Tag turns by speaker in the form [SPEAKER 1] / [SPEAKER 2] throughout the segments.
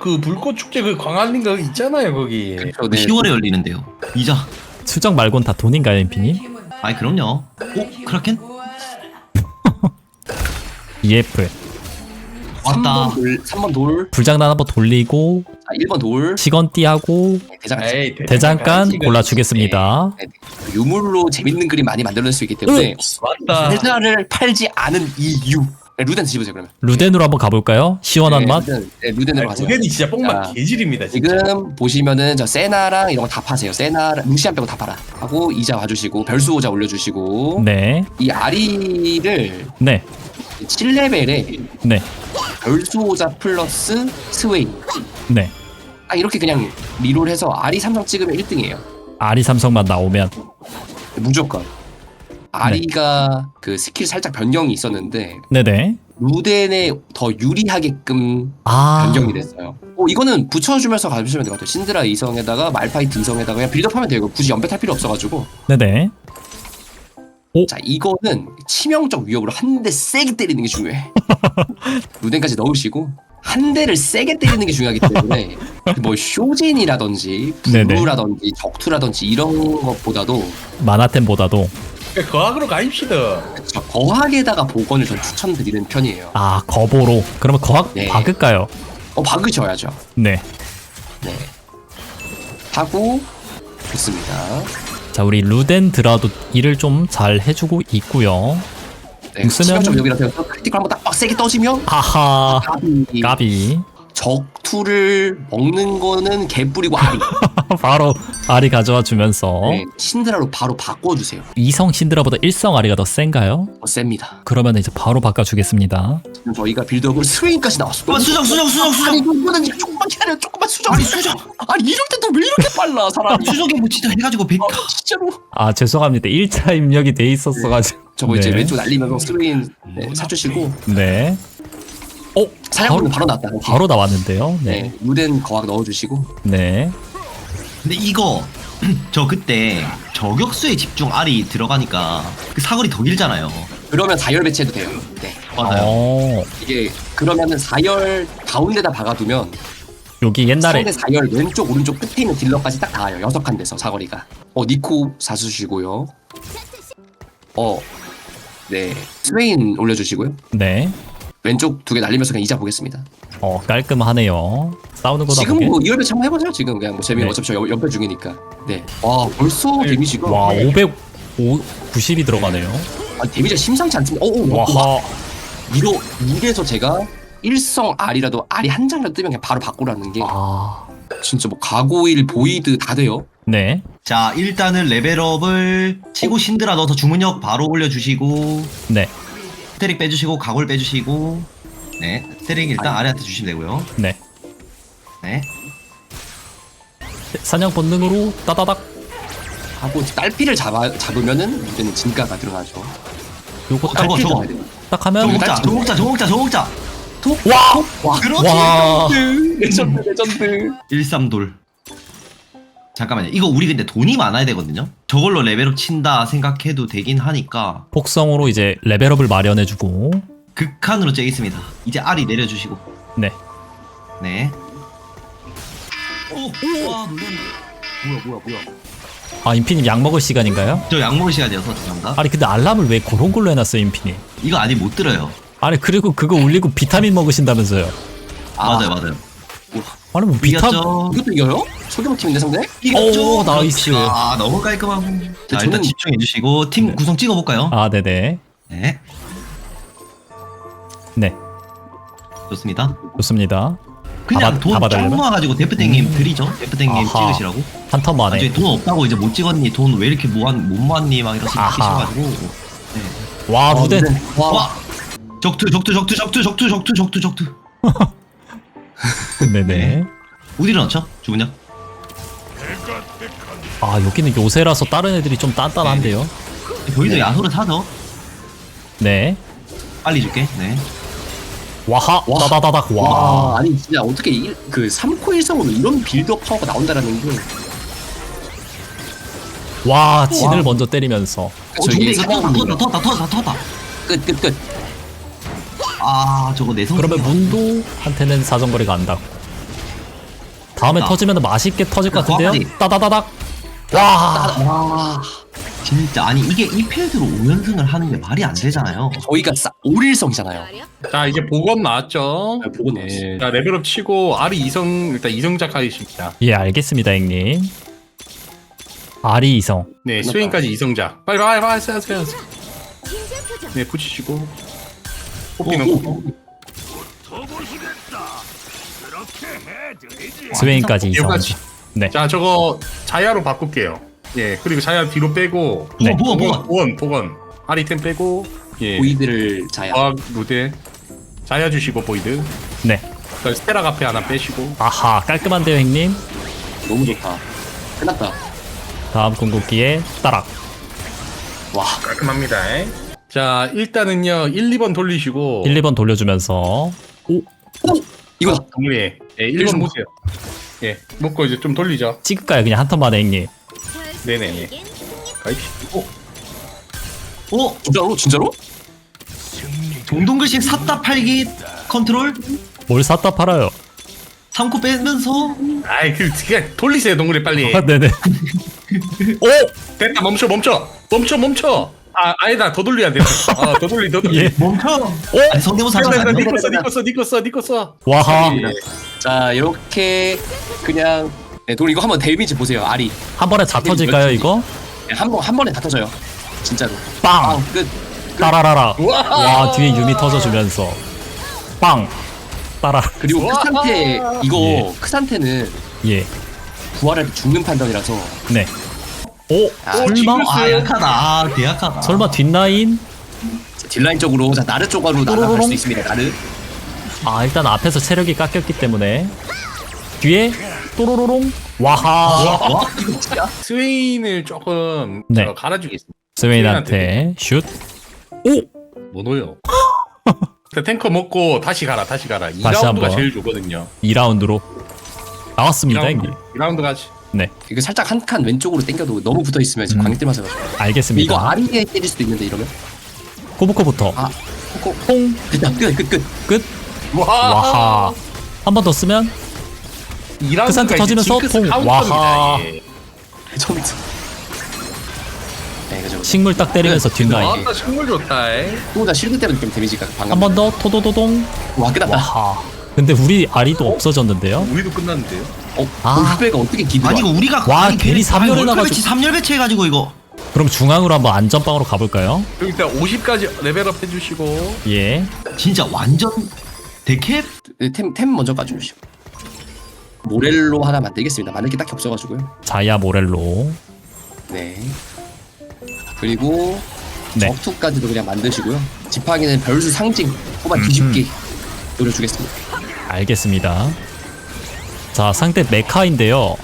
[SPEAKER 1] 그 불꽃 축제 그 광안리 거 있잖아요 거기.
[SPEAKER 2] 그렇죠, 네.
[SPEAKER 3] 10월에 열리는데요. 이자.
[SPEAKER 4] 수정 말곤 다 돈인가요, 인피님?
[SPEAKER 3] 아이 그럼요. 크라켄?
[SPEAKER 4] EF.
[SPEAKER 3] 왔다.
[SPEAKER 2] 3번 돌.
[SPEAKER 4] 불장난 한번 돌리고
[SPEAKER 2] 자, 1번 돌.
[SPEAKER 4] 시건띠하고
[SPEAKER 2] 대장간.
[SPEAKER 1] 에이,
[SPEAKER 4] 대장간
[SPEAKER 1] 대장간
[SPEAKER 4] 골라주겠습니다.
[SPEAKER 2] 네, 네. 유물로 재밌는 그림 많이 만들어낼 수 있기 때문에
[SPEAKER 1] 맞다.
[SPEAKER 2] 세자를 팔지 않은 이유. 네, 루덴 집으세요 그러면.
[SPEAKER 4] 루덴으로 한번 가볼까요? 시원한
[SPEAKER 2] 네,
[SPEAKER 4] 맛?
[SPEAKER 2] 루덴으로 가세요.
[SPEAKER 1] 루덴이 진짜 뽕맛
[SPEAKER 2] 자,
[SPEAKER 1] 개질입니다 진짜.
[SPEAKER 2] 지금 보시면은 저 세나랑 이런 거 다 파세요. 세나, 루시안 빼고 다 팔아. 하고 이자 와주시고 별수호자 올려주시고
[SPEAKER 4] 네,
[SPEAKER 2] 이 아리를
[SPEAKER 4] 네,
[SPEAKER 2] 7레벨에
[SPEAKER 4] 네,
[SPEAKER 2] 별수호자 플러스 스웨이.
[SPEAKER 4] 네.
[SPEAKER 2] 아 이렇게 그냥 리롤해서 아리 삼성 찍으면 1등이에요.
[SPEAKER 4] 아리 삼성만 나오면
[SPEAKER 2] 무조건. 아리가 그 스킬 살짝 변경이 있었는데
[SPEAKER 4] 네네.
[SPEAKER 2] 루덴에 더 유리하게끔
[SPEAKER 4] 아,
[SPEAKER 2] 변경이 됐어요. 이거는 붙여주면서 가주시면 될 것 같아요. 신드라 이성에다가 말파이트 이성에다가 그냥 빌드업하면 돼요. 이거 굳이 연패 탈 필요 없어가지고.
[SPEAKER 4] 네네.
[SPEAKER 2] 자 이거는 치명적 위협으로 한 대 세게 때리는 게 중요해. 루덴까지 넣으시고 한 대를 세게 때리는 게 중요하기 때문에 뭐 쇼진이라든지
[SPEAKER 4] 네네.
[SPEAKER 2] 블루라든지 적투라든지 이런 것보다도
[SPEAKER 4] 마나템보다도
[SPEAKER 1] 거학으로 가입시다.
[SPEAKER 2] 저 거학에다가 복원을 전 추천드리는 편이에요.
[SPEAKER 4] 아 거보로. 그러면 거학
[SPEAKER 2] 네.
[SPEAKER 4] 박을까요?
[SPEAKER 2] 박으셔야죠.
[SPEAKER 4] 네.
[SPEAKER 2] 네. 하고 좋습니다.
[SPEAKER 4] 자 우리 루덴 드라도 일을 좀 잘 해주고 있고요.
[SPEAKER 2] 네,
[SPEAKER 4] 쓰면은-
[SPEAKER 2] 치명적 위협이라서 크리티컬 한번 딱 빡세게 떠지면
[SPEAKER 4] 하하.
[SPEAKER 2] 까비.
[SPEAKER 4] 까비.
[SPEAKER 2] 적투를 먹는 거는 개 뿌리고 아리.
[SPEAKER 4] 바로 아리 가져와 주면서
[SPEAKER 2] 네, 신드라로 바로 바꿔주세요.
[SPEAKER 4] 이성 신드라보다 일성 아리가 더 센가요?
[SPEAKER 2] 셉니다.
[SPEAKER 4] 그러면 이제 바로 바꿔주겠습니다.
[SPEAKER 2] 지금 저희가 빌드업을 스웨인까지 나왔어.
[SPEAKER 3] 수정.
[SPEAKER 2] 아니 이거는 조금만 기다려. 조금만 수정. 아니 수정. 아니 이럴 때도 왜 이렇게 빨라 사람이.
[SPEAKER 3] 수정이 뭐 진짜 해가지고 100.
[SPEAKER 2] 진짜로.
[SPEAKER 4] 아 죄송합니다. 1차 입력이 돼 있었어가지고.
[SPEAKER 2] 저거 이제
[SPEAKER 4] 네.
[SPEAKER 2] 왼쪽 날리면서 스웨인 사주시고
[SPEAKER 4] 네.
[SPEAKER 2] 사냥꾼은 바로 났다.
[SPEAKER 4] 바로 나왔는데요.
[SPEAKER 2] 네.
[SPEAKER 4] 네.
[SPEAKER 2] 루덴 거학 넣어주시고.
[SPEAKER 4] 네.
[SPEAKER 3] 근데 이거 저 그때 저격수에 집중 알이 들어가니까 그 사거리 더 길잖아요.
[SPEAKER 2] 그러면 4열 배치해도 돼요. 네.
[SPEAKER 3] 맞아요.
[SPEAKER 2] 이게 그러면은 4열 가운데다 박아두면
[SPEAKER 4] 여기 옛날에
[SPEAKER 2] 상대 4열 왼쪽 오른쪽 끝에 있는 딜러까지 딱 닿아요. 6칸 돼서 사거리가. 니코 사주시고요. 네. 스웨인 올려주시고요.
[SPEAKER 4] 네.
[SPEAKER 2] 왼쪽 2개 날리면서 그냥 이자 보겠습니다.
[SPEAKER 4] 깔끔하네요. 싸우는 거다
[SPEAKER 2] 지금
[SPEAKER 4] 보게.
[SPEAKER 2] 뭐 2열 배치 한번 해보세요. 지금 그냥 뭐 재미는
[SPEAKER 4] 네.
[SPEAKER 2] 어차피 저 연패 중이니까. 네. 와 벌써 데미지가
[SPEAKER 4] 와 590이 들어가네요.
[SPEAKER 2] 데미지가 심상치 않습니다.
[SPEAKER 4] 와하.
[SPEAKER 2] 이래서 제가 일성 R이라도 R이 한 장이라도 뜨면 그냥 바로 바꾸라는 게
[SPEAKER 4] 아.
[SPEAKER 2] 진짜 뭐 가고일 보이드 다 돼요.
[SPEAKER 4] 네.
[SPEAKER 3] 자 일단은 레벨업을 치고 신드라 넣어서 주문력 바로 올려주시고
[SPEAKER 4] 네.
[SPEAKER 3] 스테릭 빼주시고 가골 빼주시고 네 스테릭 일단 아래한테 주시면 되고요.
[SPEAKER 4] 네.
[SPEAKER 3] 네.
[SPEAKER 4] 사냥 본능으로 따다닥.
[SPEAKER 2] 하고 딸피를 잡으면은 이제는 진가가 들어가죠.
[SPEAKER 4] 요거 딱,
[SPEAKER 3] 저거
[SPEAKER 2] 잡아야 돼요.
[SPEAKER 4] 딱 하면
[SPEAKER 3] 저 먹자.
[SPEAKER 2] 와
[SPEAKER 3] 그렇지.
[SPEAKER 4] 와.
[SPEAKER 2] 레전드.
[SPEAKER 3] 13돌. 잠깐만요. 이거 우리 근데 돈이 많아야 되거든요. 저걸로 레벨업 친다 생각해도 되긴 하니까
[SPEAKER 4] 복성으로 이제 레벨업을 마련해주고.
[SPEAKER 3] 극한으로 째겠습니다. 이제 알이 내려주시고.
[SPEAKER 4] 네.
[SPEAKER 3] 네. 와 놀랐네.
[SPEAKER 2] 뭐야.
[SPEAKER 4] 아 인피님 약 먹을 시간인가요?
[SPEAKER 3] 저 약 먹을 시간이어서 죄송합니다.
[SPEAKER 4] 아니 근데 알람을 왜 그런 걸로 해놨어요 인피님?
[SPEAKER 3] 이거 아직 못 들어요.
[SPEAKER 4] 아니 그리고 그거 울리고 비타민 먹으신다면서요?
[SPEAKER 3] 맞아요.
[SPEAKER 4] 아니 뭐 비타민?
[SPEAKER 3] 이겼죠.
[SPEAKER 2] 이것도 이겨요? 소규모팀인데 상대?
[SPEAKER 3] 이겼죠.
[SPEAKER 4] 오, 나이스.
[SPEAKER 3] 아 너무 깔끔하고. 자 일단
[SPEAKER 2] 저는-
[SPEAKER 3] 집중해 주시고 팀 구성 찍어볼까요?
[SPEAKER 4] 아 네네.
[SPEAKER 3] 네.
[SPEAKER 4] 네.
[SPEAKER 3] 좋습니다.
[SPEAKER 4] 좋습니다.
[SPEAKER 3] 그냥
[SPEAKER 4] 다
[SPEAKER 3] 돈 쫙
[SPEAKER 4] 받으려나?
[SPEAKER 3] 모아가지고 데프땡님 드리죠. 데프땡님
[SPEAKER 4] 아하.
[SPEAKER 3] 찍으시라고.
[SPEAKER 4] 한 턴 만에.
[SPEAKER 3] 나중에 돈 없다고 이제 못 찍었니? 돈 왜 이렇게 못 모았니? 막 이러시
[SPEAKER 4] 아하.
[SPEAKER 3] 하셔가지고. 네.
[SPEAKER 4] 와 루덴.
[SPEAKER 3] 와. 적투.
[SPEAKER 4] 네네.
[SPEAKER 3] 어디로 넣죠? 주문요?
[SPEAKER 4] 아 여기는 요새라서 다른 애들이 좀 단단한데요.
[SPEAKER 3] 저희도 야소를 사죠.
[SPEAKER 4] 네.
[SPEAKER 3] 빨리 줄게. 네.
[SPEAKER 4] 와하. 따다다닥. 와.
[SPEAKER 2] 아니 진짜 어떻게 그 3코 1성으로 이런 빌드업 파워가 나온다라는 게
[SPEAKER 4] 와 진을 먼저 때리면서.
[SPEAKER 2] 저기
[SPEAKER 3] 이거 터졌다.
[SPEAKER 2] 끝.
[SPEAKER 3] 아 저거 내성.
[SPEAKER 4] 그러면 문도한테는 사정거리가 안 닿고. 다음에
[SPEAKER 3] 아.
[SPEAKER 4] 터지면 맛있게 터질 것 같은데요?
[SPEAKER 3] 과까지.
[SPEAKER 4] 따다다닥. 와.
[SPEAKER 2] 와
[SPEAKER 3] 진짜 아니 이게 이 필드로 5연승을 하는 게 말이 안 되잖아요.
[SPEAKER 2] 저희가 올일성이잖아요.
[SPEAKER 1] 자 이제 복원 나왔죠.
[SPEAKER 2] 네, 복원 나왔어요.
[SPEAKER 1] 자 레벨업 치고 아리 이성 일단 이성작 하겠습니다.
[SPEAKER 4] 예, 알겠습니다, 형님. 아리 이성.
[SPEAKER 1] 네 스웨인까지 이성작. 빨리 하세요. 네 붙이시고 뽑기 넣고.
[SPEAKER 4] 스웨인까지 이성.
[SPEAKER 1] 여기까지.
[SPEAKER 4] 네.
[SPEAKER 1] 자 저거 자야로 바꿀게요. 예 그리고 자야 뒤로 빼고
[SPEAKER 4] 네.
[SPEAKER 1] 복원 아리템 빼고 예
[SPEAKER 2] 보이드를 자야.
[SPEAKER 1] 과학 루데 자야 주시고 보이드
[SPEAKER 4] 네.
[SPEAKER 1] 그다음에 스테라 카페 하나 빼시고
[SPEAKER 4] 아하, 깔끔한데요, 형님.
[SPEAKER 2] 너무 좋다. 끝났다.
[SPEAKER 4] 다음 궁극기에 따락.
[SPEAKER 2] 와
[SPEAKER 1] 깔끔합니다. 자 일단은요 1, 2번 돌리시고
[SPEAKER 4] 1, 2번 돌려주면서
[SPEAKER 2] 이거다.
[SPEAKER 1] 정리 예 1번 보세요. 예 먹고 이제 좀 돌리죠.
[SPEAKER 4] 찍을까요? 그냥 한 턴만에, 형님.
[SPEAKER 1] 네네네 가입시다.
[SPEAKER 2] 진짜로?
[SPEAKER 3] 동동글씨 샀다 팔기 컨트롤
[SPEAKER 4] 뭘 샀다 팔아요?
[SPEAKER 3] 3코 빼면서
[SPEAKER 1] 아이 그냥 돌리세요 동그리 빨리.
[SPEAKER 4] 아, 네네. 오!
[SPEAKER 1] 됐다 멈춰. 아 아니다 더 돌려야 돼. 아더 돌리.
[SPEAKER 4] 예.
[SPEAKER 3] 멈춰. 아니 성대모사
[SPEAKER 1] 됐다
[SPEAKER 3] 하면 안 돼.
[SPEAKER 1] 니꺼 써.
[SPEAKER 4] 와하.
[SPEAKER 2] 자 이렇게 그냥 네, 돈 이거 한번 데미지 보세요. 아리
[SPEAKER 4] 한 번에 다 터질까요, 이거?
[SPEAKER 2] 한 번에 다 터져요. 진짜로.
[SPEAKER 4] 빵!
[SPEAKER 2] 끝.
[SPEAKER 4] 따라라라.
[SPEAKER 1] 우와.
[SPEAKER 4] 와, 뒤에 유미 터져주면서. 빵! 따라.
[SPEAKER 2] 그리고
[SPEAKER 1] 우와.
[SPEAKER 2] 크산테 이거
[SPEAKER 4] 예.
[SPEAKER 2] 크산테는
[SPEAKER 4] 예.
[SPEAKER 2] 부활할 때 죽는 판단이라서
[SPEAKER 4] 네. 오! 설마?
[SPEAKER 3] 아 약하다. 아 대약하다.
[SPEAKER 4] 설마 뒷라인?
[SPEAKER 2] 딜라인 쪽으로 자 나르 쪽으로 날아갈
[SPEAKER 4] 또로로롱.
[SPEAKER 2] 수 있습니다. 나르.
[SPEAKER 4] 아, 일단 앞에서 체력이 깎였기 때문에. 뒤에 또로로롱. 와하.
[SPEAKER 3] 와?
[SPEAKER 1] 스웨인을 조금
[SPEAKER 4] 네.
[SPEAKER 1] 갈아주겠습니다.
[SPEAKER 4] 스웨인한테 슛. 오!
[SPEAKER 1] 뭐노요? 탱커 먹고 다시 가라. 2라운드가
[SPEAKER 4] 한번.
[SPEAKER 1] 제일 좋거든요.
[SPEAKER 4] 2라운드로. 나왔습니다,
[SPEAKER 1] 2라운드,
[SPEAKER 4] 형님.
[SPEAKER 1] 2라운드 가지.
[SPEAKER 4] 네.
[SPEAKER 2] 이거 살짝 한 칸 왼쪽으로 당겨도 너무 붙어 있으면 지금 광역 때문에 이거
[SPEAKER 4] 알겠습니다.
[SPEAKER 2] 아리에 때릴 수도 있는데 이러면
[SPEAKER 4] 코브코부터.
[SPEAKER 2] 아 코코
[SPEAKER 4] 퐁!
[SPEAKER 2] 끝.
[SPEAKER 4] 끝!
[SPEAKER 1] 와.
[SPEAKER 4] 와하. 한 번 더 쓰면
[SPEAKER 1] 2라운드가
[SPEAKER 4] 크산테 터지면서 통. 와하.
[SPEAKER 2] 전투. 네 그죠.
[SPEAKER 4] 식물 딱 때리면서 뒷라인.
[SPEAKER 1] 아따 식물 좋다.
[SPEAKER 2] 또다 실드 때문에 좀 데미지가 방금.
[SPEAKER 4] 한 번 더 토도도동.
[SPEAKER 2] 와 끝났다.
[SPEAKER 4] 와하. 근데 우리 아리도 없어졌는데요?
[SPEAKER 1] 우리도 끝났는데요.
[SPEAKER 2] 아 후배가 어떻게 기도?
[SPEAKER 3] 아니 이거 우리가
[SPEAKER 4] 와, 괜히 3열 해놔가지고.
[SPEAKER 3] 배치 3열 배치해가지고 이거
[SPEAKER 4] 그럼 중앙으로 한번 안전빵으로 가볼까요?
[SPEAKER 1] 여기 일단 50까지 레벨업 해주시고.
[SPEAKER 4] 예.
[SPEAKER 3] 진짜 완전 데캡.
[SPEAKER 2] 템 먼저 까주시고. 모렐로 하나 만들겠습니다. 만들 게 딱히 없어가지고요.
[SPEAKER 4] 자야 모렐로.
[SPEAKER 2] 네. 그리고
[SPEAKER 4] 네.
[SPEAKER 2] 적투까지도 그냥 만드시고요. 지팡이는 별수 상징 뽑아 뒤집기 노려주겠습니다.
[SPEAKER 4] 알겠습니다. 자, 상대 메카인데요.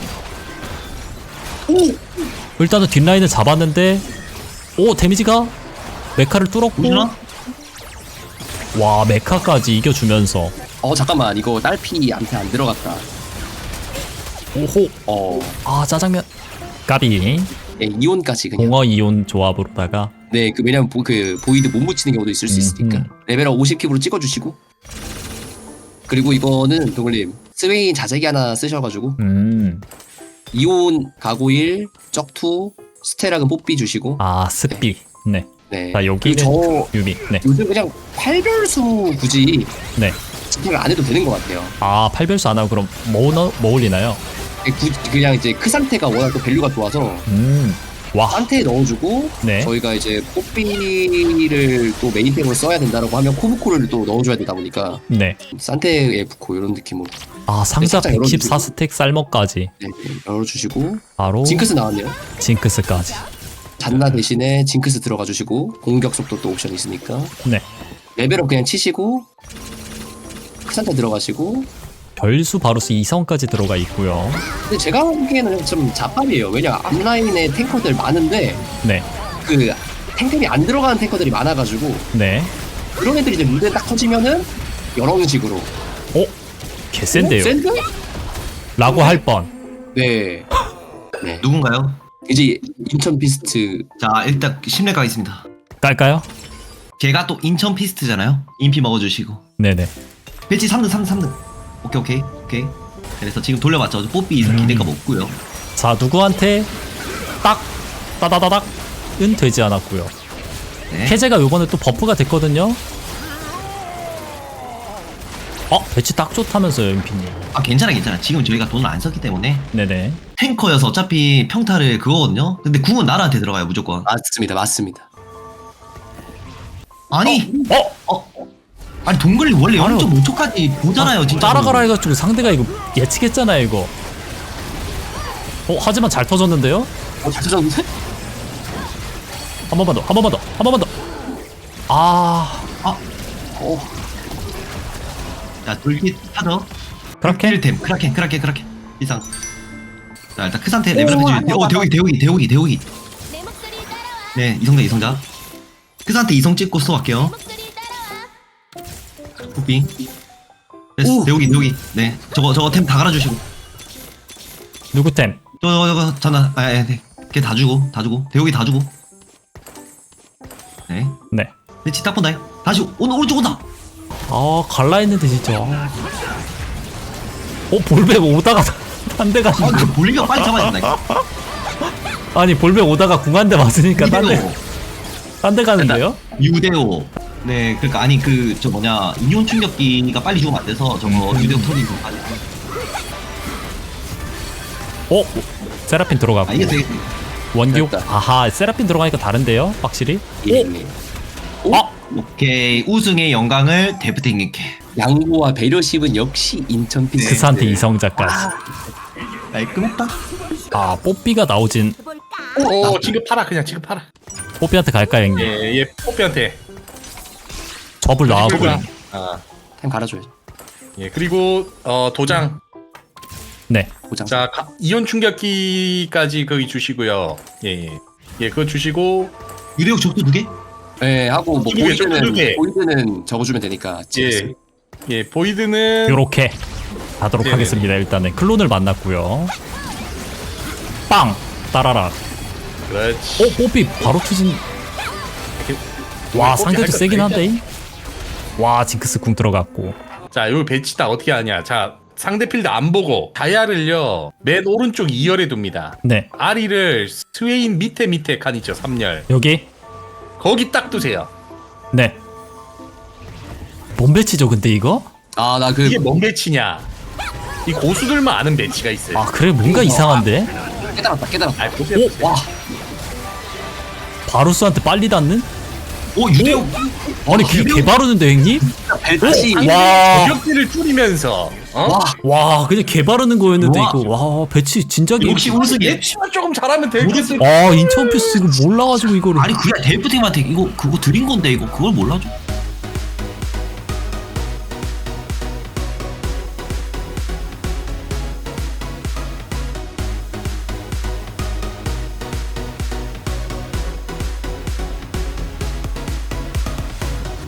[SPEAKER 4] 일단은 뒷라인을 잡았는데, 오, 데미지가 메카를 뚫었고,
[SPEAKER 3] 보시나?
[SPEAKER 4] 와, 메카까지 이겨주면서,
[SPEAKER 2] 잠깐만 이거 딸피한테 안 들어갔다.
[SPEAKER 4] 오호, 아, 짜장면. 까비.
[SPEAKER 2] 네, 이온까지 그냥.
[SPEAKER 4] 공어 이온 조합으로다가,
[SPEAKER 2] 네, 그 왜냐면 그 보이드 못 묻히는 경우도 있을 수 있으니까. 레벨업 50킵으로 찍어주시고. 그리고 이거는 동글님 스웨인 자재기 하나 쓰셔가지고 이온 가고일 적투 스테락은 뽀삐 주시고.
[SPEAKER 4] 아, 스피. 네.
[SPEAKER 2] 네.
[SPEAKER 4] 자, 여기는
[SPEAKER 2] 그리고 저
[SPEAKER 4] 유미. 네.
[SPEAKER 2] 요즘 그냥 8별수 굳이
[SPEAKER 4] 네.
[SPEAKER 2] 스택을 안 해도 되는 것 같아요.
[SPEAKER 4] 아, 8별수 안 하고 그럼 뭐 올리나요?
[SPEAKER 2] 그냥 이제 크 상태가 워낙 또 밸류가 좋아서
[SPEAKER 4] 와.
[SPEAKER 2] 상태에 넣어주고
[SPEAKER 4] 네.
[SPEAKER 2] 저희가 이제 뽀삐를 또 메인템으로 써야 된다라고 하면 코브코를 또 넣어줘야 되다 보니까
[SPEAKER 4] 네.
[SPEAKER 2] 산테에 붙고 이런 느낌으로.
[SPEAKER 4] 아, 상자
[SPEAKER 2] 살짝 열어주시고.
[SPEAKER 4] 114스택 쌀먹까지.
[SPEAKER 2] 네, 열어주시고
[SPEAKER 4] 바로
[SPEAKER 2] 징크스 나왔네요.
[SPEAKER 4] 징크스까지.
[SPEAKER 2] 잔나 대신에 징크스 들어가 주시고 공격 속도 또 옵션이 있으니까
[SPEAKER 4] 네.
[SPEAKER 2] 레벨업 그냥 치시고 크산테 들어가시고.
[SPEAKER 4] 별수 바루스 2성까지 들어가 있고요.
[SPEAKER 2] 근데 제가 보기에는 좀 잡밥이에요. 왜냐 앞라인에 탱커들 많은데
[SPEAKER 4] 네.
[SPEAKER 2] 그 탱템이 안 들어가는 탱커들이 많아가지고
[SPEAKER 4] 네.
[SPEAKER 2] 그런 애들이 이제 무대 딱 터지면은 여러 식으로.
[SPEAKER 4] 개센데요.
[SPEAKER 2] 샌드?
[SPEAKER 4] 라고 할 뻔.
[SPEAKER 2] 네. 네.
[SPEAKER 3] 누군가요?
[SPEAKER 2] 이제 인천 비스트.
[SPEAKER 3] 자 일단 10렙 가겠습니다.
[SPEAKER 4] 깔까요?
[SPEAKER 3] 제가 또 인천 피스트잖아요. 인피 먹어주시고
[SPEAKER 4] 네네.
[SPEAKER 3] 배치 3등. 오케이. 그래서 지금 돌려봤죠. 뽀삐 기대감 없고요.
[SPEAKER 4] 자 누구한테 딱 따다다닥은 되지 않았고요.
[SPEAKER 3] 네.
[SPEAKER 4] 해제가 요번에 또 버프가 됐거든요. 배치 딱 좋다면서요 임피님.
[SPEAKER 3] 아 괜찮아. 지금 저희가 돈을 안 썼기 때문에
[SPEAKER 4] 네네.
[SPEAKER 3] 탱커여서 어차피 평타를 그거거든요. 근데 궁은 나라한테 들어가요 무조건.
[SPEAKER 2] 맞습니다.
[SPEAKER 3] 아니 아니 동글이 원래
[SPEAKER 4] 아니요.
[SPEAKER 3] 0.5초까지 보잖아요 진짜.
[SPEAKER 4] 따라가라 해가지고 상대가 이거 예측했잖아요 이거. 하지만 잘 터졌는데요?
[SPEAKER 2] 잘 터졌는데?
[SPEAKER 4] 한 번만 더.
[SPEAKER 3] 자 돌기 타죠.
[SPEAKER 4] 그렇게?
[SPEAKER 3] 템 크라켄 이상. 자 일단 그 상태 레벨업 해주면 대오기. 네 이성자. 그 상태 이성 찍고 수업할게요. 뽀삐. 됐어 대오기. 네 저거 템 다 갈아주시고.
[SPEAKER 4] 누구 템?
[SPEAKER 3] 저거 전화 네. 걔 다 주고 대오기 다 주고. 네.
[SPEAKER 4] 네.
[SPEAKER 3] 배치 딱 본다. 다시 오른쪽 온다.
[SPEAKER 4] 갈라 했는데 진짜. 볼백 오다가 한 대
[SPEAKER 3] 아,
[SPEAKER 4] 갔는데.
[SPEAKER 3] 그 볼리가 빨리 잡아야 된다.
[SPEAKER 4] 아니 볼백 오다가 궁 한 대 맞으니까 딴 데 가는데요?
[SPEAKER 3] 유대오. 네, 그러니까 아니 저 뭐냐 인용 충격기가 빨리 죽으면 안 돼서 저거 유대오 터진 거까지.
[SPEAKER 4] 세라핀 들어가고.
[SPEAKER 3] 이게 되게
[SPEAKER 4] 원기옥.
[SPEAKER 2] 됐다.
[SPEAKER 4] 아하, 세라핀 들어가니까 다른데요? 확실히?
[SPEAKER 2] 예.
[SPEAKER 3] 오케이 우승의 영광을 데프팅님께.
[SPEAKER 2] 양보와 배려심은 역시 인천 피.
[SPEAKER 4] 그사한테 이성자까지.
[SPEAKER 3] 깔끔했다.
[SPEAKER 4] 뽀삐가 나오진.
[SPEAKER 1] 지금 팔아 그냥 지금 팔아.
[SPEAKER 4] 뽀삐한테 갈까요 형님?
[SPEAKER 1] 예 뽀삐한테.
[SPEAKER 4] 접을 나왔고.
[SPEAKER 2] 템 갈아줘야죠.
[SPEAKER 1] 예 그리고 도장.
[SPEAKER 4] 네.
[SPEAKER 2] 보장.
[SPEAKER 1] 자 이온 충격기까지 거기 주시고요. 예 그거 주시고.
[SPEAKER 3] 유대오 적도 2개?
[SPEAKER 2] 네, 하고 뭐
[SPEAKER 1] 두 개, 두 개.
[SPEAKER 2] 보이드는 적어주면 되니까.
[SPEAKER 1] 보이드는
[SPEAKER 4] 요렇게 가도록
[SPEAKER 1] 네네네.
[SPEAKER 4] 하겠습니다. 일단은 클론을 만났고요. 빵! 따라라.
[SPEAKER 1] 그렇지.
[SPEAKER 4] 뽀삐 바로 투진. 와, 상대도 세긴 한데. 와, 징크스 궁 들어갔고.
[SPEAKER 1] 자, 요 배치 딱 어떻게 하냐. 자, 상대 필드 안 보고 다이아를요 맨 오른쪽 2열에 둡니다.
[SPEAKER 4] 네.
[SPEAKER 1] 아리를 스웨인 밑에 칸 있죠. 3열.
[SPEAKER 4] 여기.
[SPEAKER 1] 거기 딱 두세요.
[SPEAKER 4] 네. 뭔 배치죠, 근데 이거?
[SPEAKER 1] 이게 뭔 배치냐? 이 고수들만 아는 배치가 있어요.
[SPEAKER 4] 그래, 뭔가 이상한데?
[SPEAKER 2] 깨달았다.
[SPEAKER 4] 와. 바루스한테 빨리 닿는?
[SPEAKER 3] 유대오.
[SPEAKER 4] 아니, 개바르는데, 형님?
[SPEAKER 2] 배치.
[SPEAKER 4] 와.
[SPEAKER 1] 저격기를 줄이면서
[SPEAKER 4] 와, 그냥 개바르는 거였는데,
[SPEAKER 3] 와.
[SPEAKER 4] 이거. 와, 배치 진작에.
[SPEAKER 3] 역시 우승이야.
[SPEAKER 1] 배치만 조금 잘하면 되겠어.
[SPEAKER 4] 인천 피스 이거 몰라가지고, 이거를.
[SPEAKER 3] 아니 그냥 데프팅한테 이거 그거 드린 건데 이거 그걸 몰라줘?